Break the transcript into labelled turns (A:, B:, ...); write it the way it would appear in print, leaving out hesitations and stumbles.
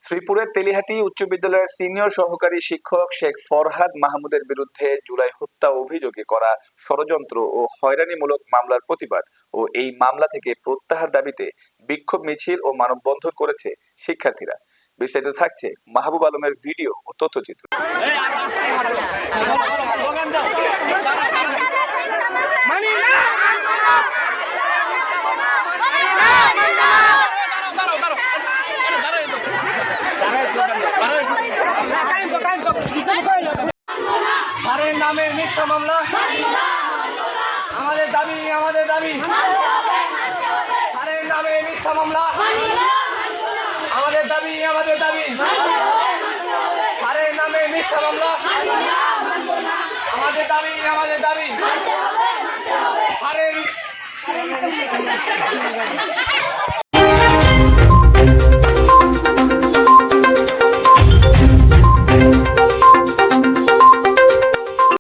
A: শ্রীপুরের তেলিহাটি উচ্চ বিদ্যালয়ের সিনিয়র সহকারী শিক্ষক শেখ ফরহাদ মাহমুদের বিরুদ্ধে জুলাই হত্যা অভিযোগে করা ষড়যন্ত্র ও হয়রানিমূলক মামলার প্রতিবাদ ও এই মামলা থেকে প্রত্যাহার দাবিতে বিক্ষোভ মিছিল ও মানববন্ধন করেছে শিক্ষার্থীরা। বিস্তারিত থাকছে মাহবুব আলমের ভিডিও ও তথ্যচিত্র।
B: স্যারের নামে মিথ্যা মামলা, আমাদের দাবি স্যারের নামে মিথ্যা মামলা, আমাদের দাবি স্যারের নামে মিথ্যা মামলা, আমাদের দাবি স্যারের